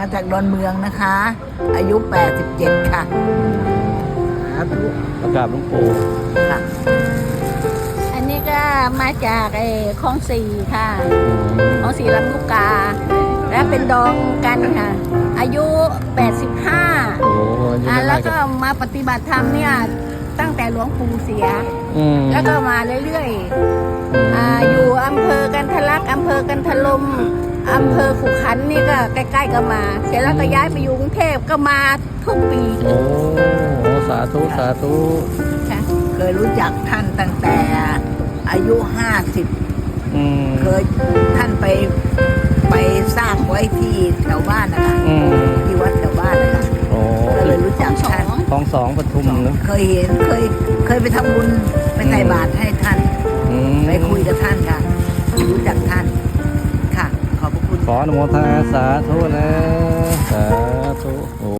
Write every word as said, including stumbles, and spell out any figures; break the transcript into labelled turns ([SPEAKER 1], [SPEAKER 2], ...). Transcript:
[SPEAKER 1] จากดอนเมืองนะคะ อายุแปดสิบเจ็ดค่ะสาธุ
[SPEAKER 2] ประกาศหลวงปู่
[SPEAKER 1] ค่ะ
[SPEAKER 3] อันนี้ก็มาจากไอ้คลองสี่ค่ะคลองสี่ลำลูกกา และเป็นดองกันค่ะ อายุแปดสิบห้า
[SPEAKER 2] โอ้โหอายุ
[SPEAKER 3] อ่า
[SPEAKER 2] ไม่
[SPEAKER 3] แล้ว
[SPEAKER 2] ได้
[SPEAKER 3] ก็มาปฏิบัติธรรมเนี่ยตั้งแต่หลวงปู่เสีย
[SPEAKER 2] อืม
[SPEAKER 3] แล้วก็มาเรื่อยๆอ่าอยู่อำเภอกันทะลักอำเภอกันทะลมอำเภอขุขันธ์นี่ก็ใกล้ๆก็มา เสร็จแล้วก็ย้ายไปอยู่กรุงเทพก็มาทุกปี
[SPEAKER 2] โอ้โหสาธุสาธุ
[SPEAKER 3] ค่ะ
[SPEAKER 1] เคยรู้จักท่านตั้งแต่อายุห้าสิบ
[SPEAKER 2] อืม
[SPEAKER 1] เคยท่านไปไปสร้างไว้ที่แถวบ้านนะคะ
[SPEAKER 2] อืม
[SPEAKER 1] ที่วัดแถวบ้านนะคะ
[SPEAKER 2] โอ้
[SPEAKER 1] ก็เลยรู้จักท่าน
[SPEAKER 2] คลองสองปทุมเนอะ
[SPEAKER 1] เคยเห็นเคยเคยไปทำบุญไปใส่บาตรให้ท่าน
[SPEAKER 2] อืม
[SPEAKER 1] ไปคุยกับท่านค่ะ รู้จักท่านค่ะ ขอบพระคุณ
[SPEAKER 2] ขออนุโมทนาสาธุนะสา